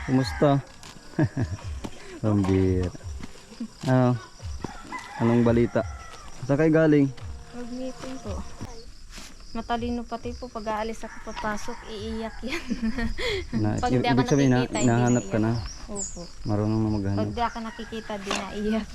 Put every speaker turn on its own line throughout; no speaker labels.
Kumusta? Pambira. Ano? Anong balita? Saan kayo galing?
Mag-meeting po. Matalino pati po pag aalis ako papasok, iiyak yan. Pag di ako
Ibig sabihin na,
nakikita, hindi
nahanap ka na.
naiyak. Opo.
Marunong na
Pag
maghanap.
di ako nakikita, di naiyak.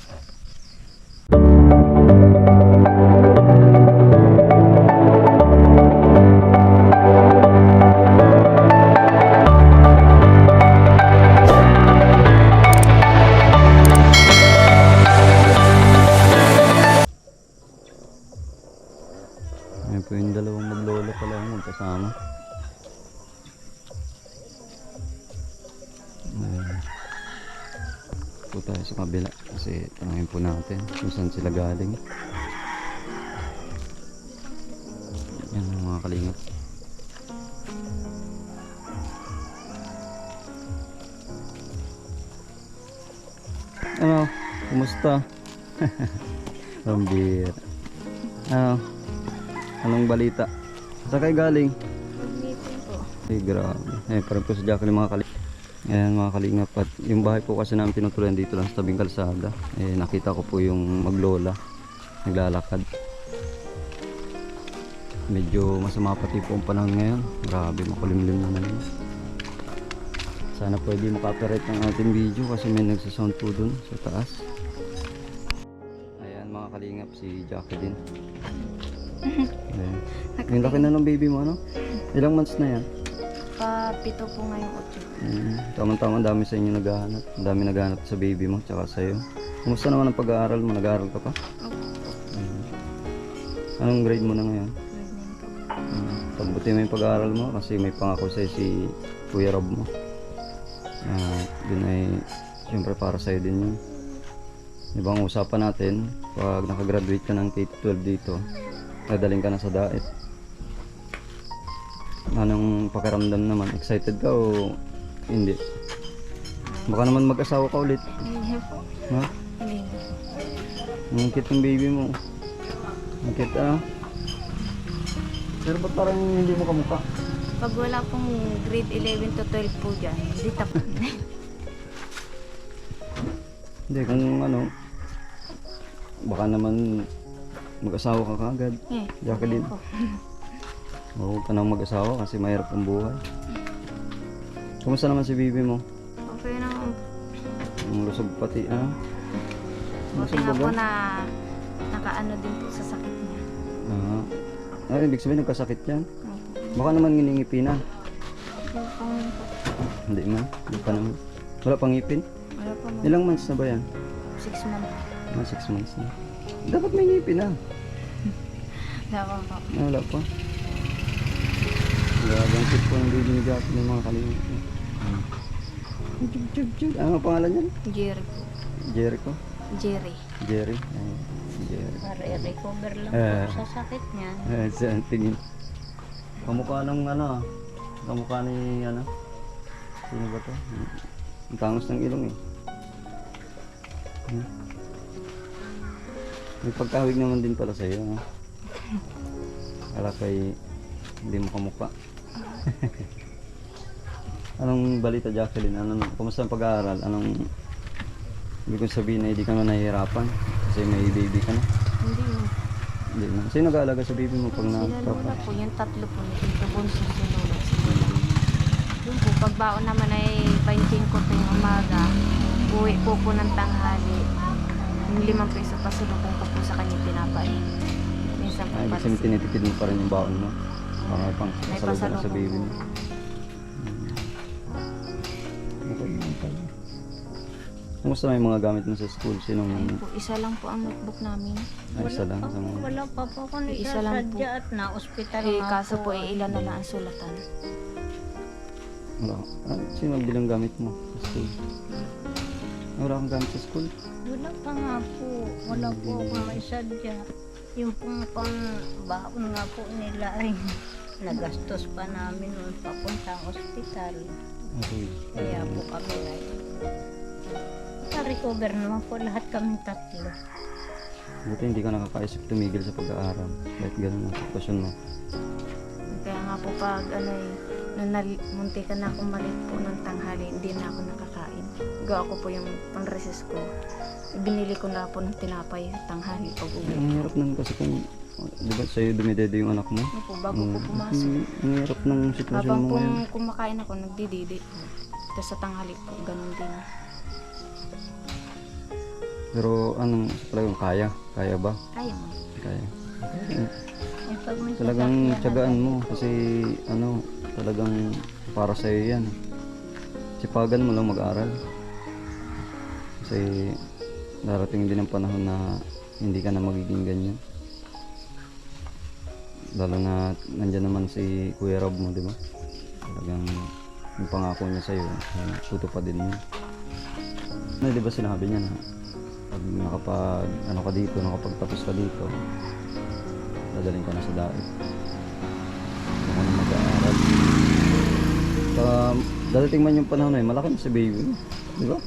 Ayun po yung dalawang maglolo pala yung magkasama. Ayun. Po tayo sa kabila kasi tanongin po natin kung saan sila galing. Yan ang mga kalingap. Ano? Kumusta? Pambira. Ano? Anong balita? Saan kayo galing?
Mag-meeting po.
Ay grabe. Parang po sa Jacqueline mga kalingap. Ayan mga kalingap. At yung bahay po kasi namin tinutuloyan dito lang sa tabing kalsada. Nakita ko po yung maglola. Naglalakad. Medyo masama pati po ang panahon ngayon. Grabe, makulimlim na naman. Sana pwede makaperate ng ating video kasi may nagsasound po dun sa taas. Ayan mga kalingap, si Jacqueline. Ayan. Yung laki na ng baby mo, ano? Ilang months na yan?
Pa-pito po ngayong 8.
Tama-tama, dami sa inyo naghahanap. Ang dami naghahanap sa baby mo, tsaka sa'yo. Kumusta naman ang pag-aaral mo? Nag-aaral ka pa?
Opo.
Anong grade mo na ngayon?
Grade 9 po.
Pagbuti mo yung pag-aaral mo kasi may pangako sa'yo si Kuya Rob mo. Yun ay siyempre para sa'yo din yun. Ibang usapan natin, pag nakagraduate ka ng K-12 dito, dadaling ka na sa daet. Anong pakiramdam naman? Excited ka o hindi? Baka naman mag-asawa ka ulit.
Hindi po.
Ha?
Hindi po.
Ang cute ng baby mo. Ang cute Pero ba't parang hindi mo kamukha?
Pag wala pong grade 11 to 12 po dyan, di tapos.
Hindi, kung ano, baka naman mag-asawa ka kaagad. Jacqueline.
Po.
Huwag ka nang mag-asawa kasi mahirap ang buhay. Kumusta naman si baby mo?
Okay na po.
Ang lusog pati,
Buti nga po na nakaano din po sa sakit niya.
Ibig sabihin nagkasakit yan?
Opo.
Baka naman nginingipi na.
Yung pong
Hindi man, hindi pa naman. Wala pang ngipin?
wala pa mo.
Ilang months na ba yan?
6 months.
6 months na. Dapat may ngipin na.
Dawa po.
Wala pa. Grabe ang cute po ng baby ni Jackie ng mga kalimut. Ano ang pangalan niyan?
Jerry po.
Jericho?
Jerry.
Jerry? Jerry.
Para i-recover lang
po
sa sakit niya.
Saan tingin? Kamukha ng kamukha ni sino ba to? Ang tangos ng ilong eh. May pagkahawig naman din pala sa'yo. Kala kay hindi mo kamukha. Anong balita Jacqueline? Kumusta ang pag-aaral? Hindi ko sabihin na hindi ka na nahihirapan kasi may baby ka na.
Hindi mo.
Hindi na. Sino nag-aalaga sa baby mo pag
Sila lola
na-papa?
po, yung tatlo po. Ito bunso si lola. Yung po, pagbaon naman ay 25 po yung umaga. Uwi po po ng tanghali. Yung 5 peso pasulubong ko po sa kanya tinapay. Minsan po
Ibig
para
sabihin tinitipid mo pa rin yung baon mo. Para pang
may
pasalubong sa
pasalubong
baby
po.
mo. Okay naman pala. Kumusta na yung mga gamit mo sa school? Sinong
Ayun po, isa lang po ang notebook namin.
isa lang? Sa mga...
Wala pa po ako
Isa lang po.
nagsasadya at na-hospital
Kaso po, ilan na lang ang sulatan.
Wala. Sino ang bilang gamit mo sa school? Wala kang gamit sa school?
Wala pa nga po. Wala po ako naisadya. Yung pong pang-baon nga po nila ay nagastos pa namin noon papuntang ospital.
Okay.
Kaya po kami na recover naman po lahat kami tatlo.
Buti hindi ka nakakaisip tumigil sa pag-aaral. Kahit ganun ang sitwasyon mo.
Kaya nga po pag muntikan na akong malit po ng tanghali, hindi na ako nakakain. Gawa ko po yung pang-recess ko. Binili ko na po ng tinapay tanghali pag uwi.
Ang hirap nun kasi kung, di ba sa'yo dumidede yung anak mo?
Ano po, bago po pumasok.
Ang hirap ng sitwasyon
Habang
mo
pong
ngayon.
kumakain ako, nagdididi po. Tapos sa tanghali po, ganun din.
Pero anong talagang kaya? Kaya ba?
Kaya mo.
Kaya.
Eh, pag may
Talagang
sasakyan,
tiyagaan mo kasi ano, talagang para sa'yo yan. Sipagan mo lang mag-aral. Kasi darating din ang panahon na hindi ka na magiging ganyan. Lalo na nandyan naman si Kuya Rob mo, di ba? Talagang yung pangako niya sa'yo, tutupadin mo. Na, di ba sinabi niya na pag nakapagtapos ka dito, dadaling ka na sa daig. Hindi ka na mag-aaral. Dadating man yung panahon na malaki na si baby. Di ba?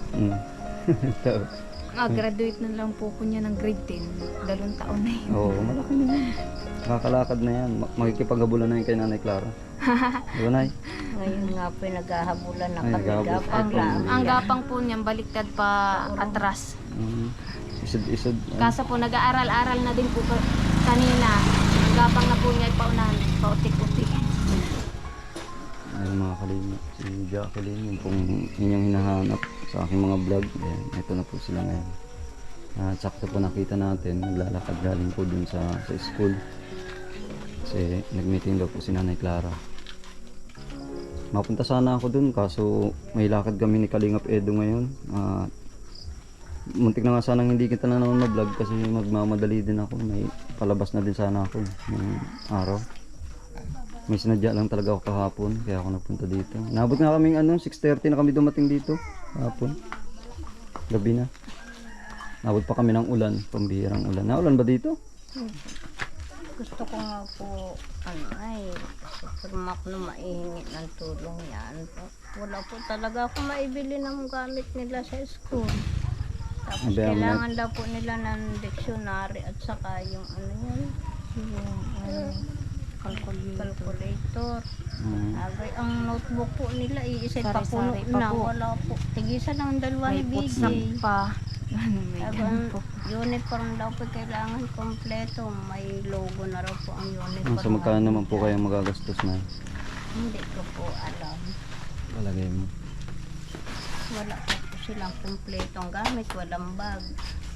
Graduate na lang po ko niya ng grade 10. 2 taon na yun.
Oo, malaki na yan. Nakakalakad na yan. Makikipaghabulan na yun kay Nanay Clara. Di ba, Nay?
Ngayon nga po naghahabulan na
Ay,
kami.
naghahabol.
Gapang lang.
Ang gapang po niyan, baliktad pa atras.
Isod-isod.
Kaso po, nag-aaral-aral na din po kanina. Ang gapang na po niya ay paunahan, pautik-utik.
Ayun mga kalina, si Jacqueline, yung pong inyong hinahanap sa aking mga vlog. Ayan, ito na po sila ngayon. At sakto po nakita natin, naglalakad galing po dun sa school. Kasi nag-meeting daw po si Nanay Clara. Mapunta sana ako dun, kaso may lakad kami ni Kalingap Edo ngayon. Muntik na nga sanang hindi kita na naman ma-vlog kasi magmamadali din ako. May palabas na din sana ako ng araw. May sinadya lang talaga ako kahapon, kaya ako nagpunta dito. Nabot nga kaming 6:30 na kami dumating dito kahapon. Gabi na. Nabot pa kami ng ulan, pambihirang ulan. Naulan ba dito?
Gusto ko nga po, si Permac na maihingi ng tulong yan. Wala po talaga ako maibili ng gamit nila sa school. Tapos
Abi, ang
kailangan daw po nila ng dictionary at saka yung calculator. Abay, ang notebook po nila, iisay pa puno
Sari-sari pa
na.
po.
Wala po. Tigisan ng dalawa
May
ni
putsak
Biggie.
pa. May ganun po.
Uniform daw po kailangan kompleto. May logo na raw po ang uniform.
So magkano naman po kayong magagastos na?
Hindi ko po alam.
Palagay mo.
Wala pa po silang kompletong gamit. Walang bag.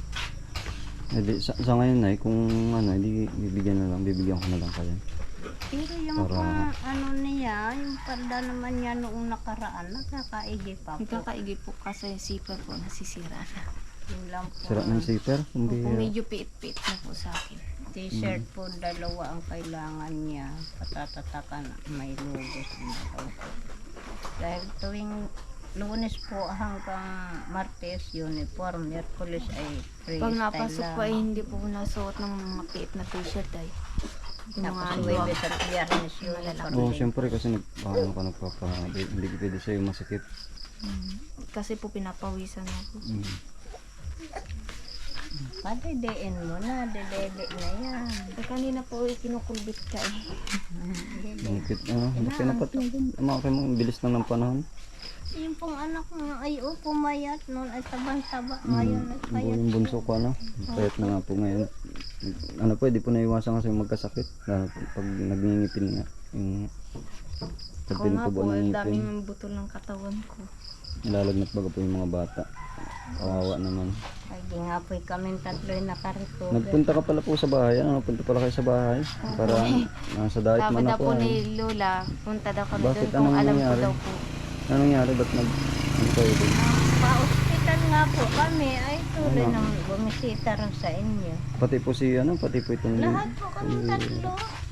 Sa ngayon na kung hindi bibigyan ko na lang kayo.
Pero yung
Para-
niya, yung palda naman niya noong nakaraan, nakakaigi pa po.
Nagkakaigi po kasi zipper po nasisira na.
Yun lang po.
Sira ng zipper? Hindi.
Opo, medyo piit-piit na po sa akin.
T-shirt po, dalawa ang kailangan niya. Patatatakan, may logo sa dalawa. Dahil tuwing Lunes po hanggang Martes, uniform. Miyerkules ay freestyle
Pag napasok
lang.
po ay hindi po nasuot ng mga piit na t-shirt ay. Yung
Tapos
mga
Huwebes at Biyernes uniform.
Oo, syempre kasi hindi pwede sa'yo masakit.
Kasi po pinapawisan ako.
Padedein mo na, dedede na yan.
Eh, kanina po kinukulbit ka eh.
Bakit, bakit napatunggan? Ang bilis lang ng panahon.
Yung pong anak mo ay pumayat noon ay tabang-taba. Ngayon ay payat.
Yung bunso ko, payat na nga po ngayon. Pwede po naiwasan kasi magkasakit. Lalo pag nagngingipin nga. Pag
Ako nga
pinutubo
po,
ng ngipin,
daming butol ng katawan ko.
nilalagnat baga po yung mga bata. Kawawa naman.
Ay di nga po kami tatlo ay nakarecover.
Nagpunta ka pala po sa bahay. Punta pala kayo sa bahay. Para nasa diet
Sabi
man
daw
ako.
po ni Lola, punta daw kami
Bakit?
doon kung
Anong
alam ko
nangyari?
daw po.
Anong nangyari? Ba't ano kayo doon?
Pa-hospital nga po kami ay tuloy nang bumisita rin sa inyo.
Pati po pati po itong...
Lahat po kami tatlo.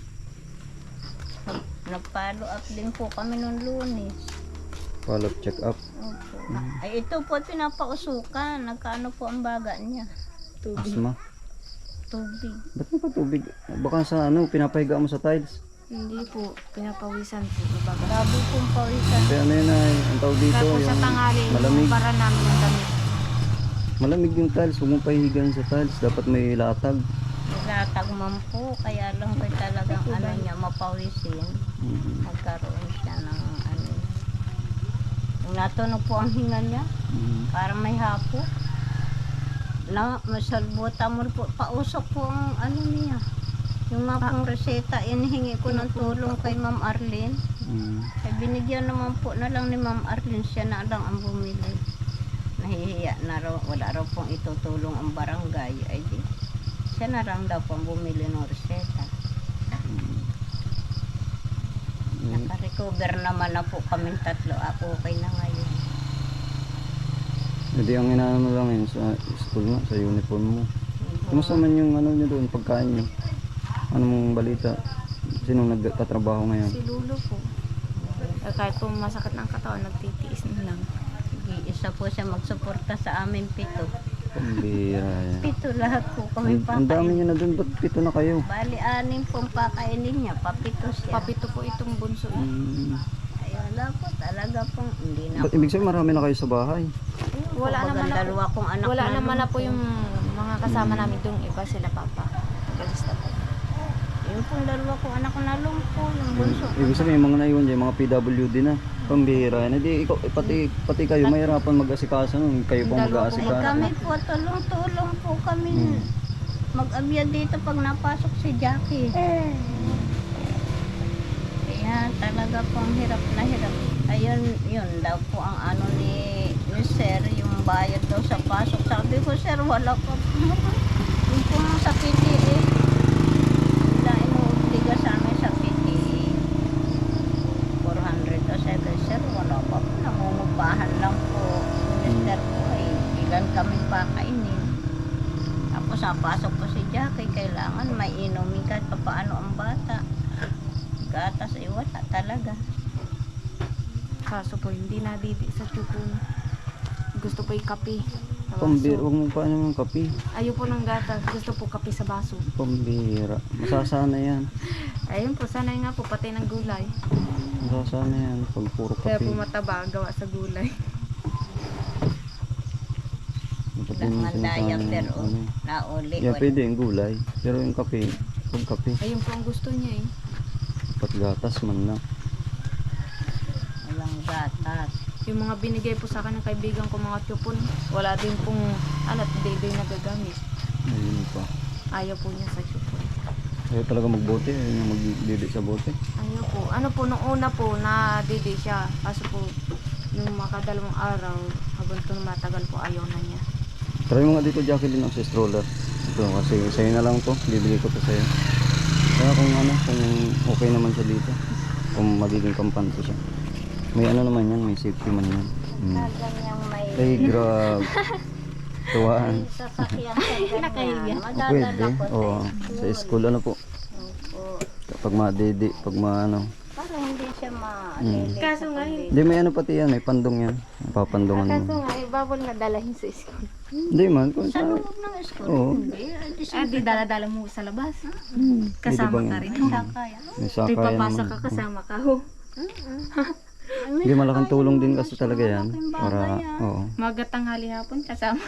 Nag-follow up din po kami noong Lunes.
Follow-up check-up.
Opo. Ay ito po pinapausukan. Nagkaano po ang baga niya?
Asma.
Tubig.
Ba't mo pa tubig? Baka sa pinapahiga mo sa tiles.
Hindi po, pinapawisan po. Baga.
Grabe pong pawisan.
Kaya ay, ang tawag dito,
Kaya po sa
yung
tanghali,
malamig.
para namin ng damit.
Malamig yung tiles, huwag mong pahihigan sa tiles. Dapat may latag.
latag man po, kaya lang ko talagang ano niya, mapawisin.
Mm.
Nagkaroon siya ng ano. Kung natunog po ang hinga niya,
Mm.
parang may hapo. Na, masalbuta mo po, pausok po ang ano niya. Yung mga pong reseta, inihingi ko ng tulong kay Ma'am Arlene.
Mm.
Ay binigyan naman po na lang ni Ma'am Arlene, siya na lang ang bumili. Nahihiya na raw, wala raw pong itutulong ang barangay. Ay di, siya na lang daw pong bumili ng reseta. Naka-recover naman na po kaming tatlo. Ako okay na ngayon.
Hindi, ang inaano lang yun sa school nga, sa uniform mo. Kumusta man yung ano nyo doon, pagkain nyo? Anong balita? Sinong nagtatrabaho ngayon?
Si Lulo po. Kahit po masakit ng katawan, nagtitiis na lang.
Isa po siya magsuporta sa amin 7.
Pambira yan.
7 lahat po kami
Ang dami
pakain.
nyo na doon, ba't 7 na kayo?
Bali 6 pong pakainin niya, papito siya.
Papito po itong bunso.
Ay wala po talaga pong hindi na
Ba't ibig sabihin marami na kayo sa bahay?
Wala naman na po.
dalawa kong anak
Wala
na
naman na po
lumpo.
yung mga kasama namin doon. Iba sila papa. Galis na po.
Yung pong dalawa kong anak na lumpo, yung bunso.
Ibig sabihin yung mga naiwan dyan, mga PWD na. Pambira yan. Hindi, ikaw, pati kayo, mahirapan mag-asikaso nun. Kayo pong
Dalawa po.
Ay
mag-aasikaso.
kami po, tulong-tulong po kami. Mag-abya dito pag napasok si Jackie. Kaya talaga pong hirap na hirap. Ayun, yun daw po ang ano ni Sir, yung bayad daw sa pasok. Sabi ko, Sir, wala pa po. Yung po sa PTE. Wala inuobliga sa amin sa PTE. 400 daw. Sabi, Sir, wala pa po. Nangungupahan lang po. Minister po, ilan kaming pakainin. Tapos napasok po si Jackie, kailangan may inumin kahit paano ang bata. Gatas, wala talaga.
Kaso po, hindi nadidi sa tsukon. Gusto po yung kape. Sa
Pambira,
baso.
huwag mo pa naman kape.
Ayaw po ng gatas. Gusto po kape sa baso.
Pambira. Masasana yan.
Ayun po, sanay nga po pati ng gulay.
Masasana yan. Pag puro
Kaya
kape.
po mataba, gawa sa gulay.
Dapat
Lang
yung
ang
sinasabi
daya,
ng
pero
ano.
nauli.
Yeah, pwede yung gulay. Pero yung kape, pag kape,
Ayun po ang gusto niya eh.
pat gatas man na.
Walang gatas.
Yung mga binigay po sa akin ng kaibigan ko mga tupon, wala din pong hindi nagagamit.
Ayun pa.
Ayaw po niya sa tupon.
Ayaw talaga magbote, ayaw niya magdidi sa bote.
Ayaw po. Ano po, nung una po, nadidi siya. Kaso po, yung makadalawang araw, habang ito matagal po, ayaw na niya.
Try mo nga dito, Jacqueline, ang sa stroller. Ito, kasi sa'yo na lang to. Bibigay ko to sa'yo. Kaya kung ano, kung okay naman siya dito. Kung magiging kampante siya. May ano naman yan, may safety man yan.
Ganyang may
Ay, grab. Tuwaan.
sasakyan sa ganyan.
Nakahiya.
Madadala
Pwede.
ko
Oo. Sa school, ano po.
Opo.
Kapag madidi, pag maano.
Para hindi siya malilito.
Kaso nga,
Hindi, may ano pati yan, may pandong yan. Papandungan
Kaso
mo.
nga, bawal na dalahin sa school.
Hindi man, kung
Sa
sa...
loob ng school,
Oo.
hindi.
Di dala-dala mo sa labas.
Pwede
Kasama
bang-
ka rin.
Sakaya.
May
Di
sakay
papasok
naman.
ka kasama ka ho.
Hindi, malaking tulong din kasi talaga yan. Para, oo.
Magatanghali hapon kasama.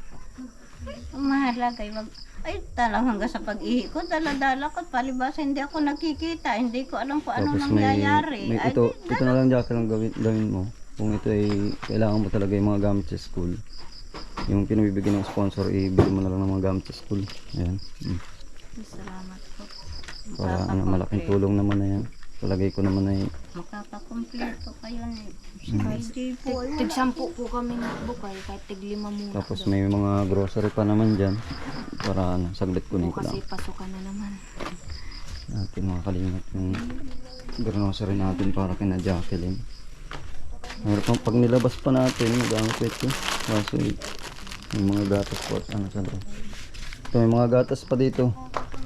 Ang mahalaga wag ay talagang hanggang sa pag-ihi ko, dala-dala ko, palibasa hindi ako nakikita, hindi ko alam kung ano
Tapos may,
nangyayari.
may
Ay,
ito na lang Jackie lang gawin mo. Kung ito ay kailangan mo talaga yung mga gamit sa school. Yung pinabibigyan ng sponsor, ibigay mo na lang ng mga gamit sa school. Ayan.
Salamat po.
Para ano, malaking tulong naman na yan. Palagay ko naman ay
makakakompleto kayo ni
Mm.
hindi po.
Tig 10 po kami nagbukay, kahit tig 5 muna.
tapos may mga grocery pa naman dyan. Para ano, saglit kunin ko
Kasi
lang.
pasukan na naman.
Natin makakalimot yung grocery natin para kina Jacqueline. Meron pag nilabas pa natin, magamit ito. Kaso may mga gatas po at ano sa loob. Ito may mga gatas pa dito.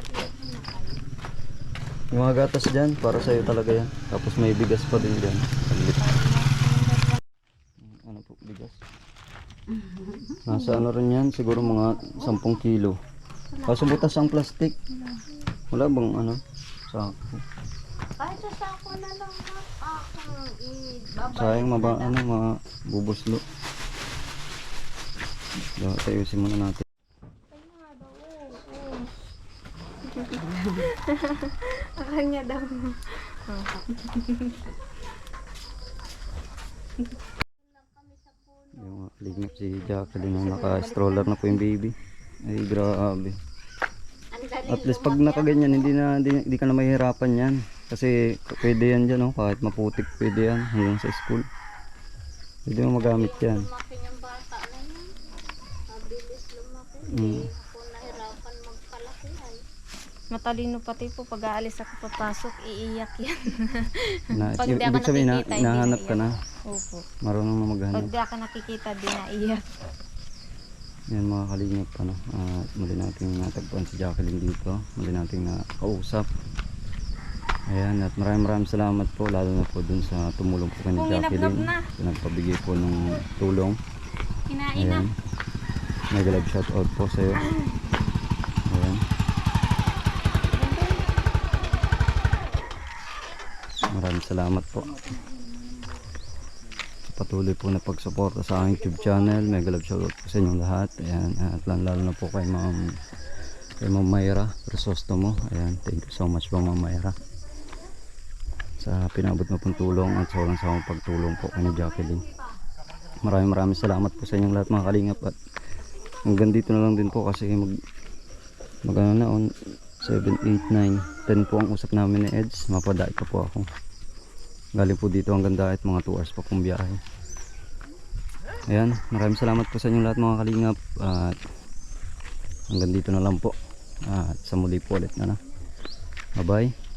Yung mga gatas dyan, para sa'yo talaga yan. Tapos may bigas pa din dyan. Saglit. Ano po, bigas? Nasa ano rin yan, siguro mga 10 kilo. Kaso butas ang plastic. Wala bang ano? Sako.
Kahit sa sako na lang akong ibabalik.
Sayang mga bubuslo. Ayusin muna natin.
Sa kanya daw.
Yung kalingap si Jacqueline na naka-stroller na po yung baby. Ay grabe. At least pag nakaganyan hindi ka na mahihirapan yan. Kasi pwede yan dyan, oh, kahit maputik pwede yan hanggang sa school. Pwede mo magamit yan.
Lumaki yung bata na yan. Mabilis lumaki.
Mm.
Hindi ako nahirapan magpalaki ay.
Matalino pati po pag aalis ako papasok, iiyak yan. Pag
Ibig
di ako
sabihin
nakikita, hindi
nahanap ka na.
Opo.
Marunong na
Pag
maghanap.
di ako nakikita, di naiyak.
Yan mga kalingap ano. Muli nating natagpuan si Jacqueline dito. Muli nating nakausap. Ayan, at maraming salamat po lalo na po dun sa tumulong po kay ni
Kung
Jacqueline.
ginabnab na.
Sa nagpabigay po ng tulong.
Kinain na.
Ayan. Mega love shout out po sa iyo. Ayan. Maraming salamat po. Sa patuloy po na pagsuporta sa aking YouTube channel. Mega love shout out po sa inyong lahat. Ayan, at lalo na po kay Ma'am Mayra Crisostomo. Ayan, thank you so much po Ma'am Mayra sa pinabot mo pong tulong at sa walang sawang pagtulong po kay ni Jacqueline. Maraming salamat po sa inyong lahat mga kalingap, at hanggang dito na lang din po kasi mag ano na on 7, 8, 9, 10 po ang usap namin ni Eds. Mapadait pa po ako galing po dito hanggang Daet, mga 2 hours pa pong biyahe. Ayan, maraming salamat po sa inyong lahat mga kalingap, at hanggang dito na lang po, at sa muli po ulit na bye bye.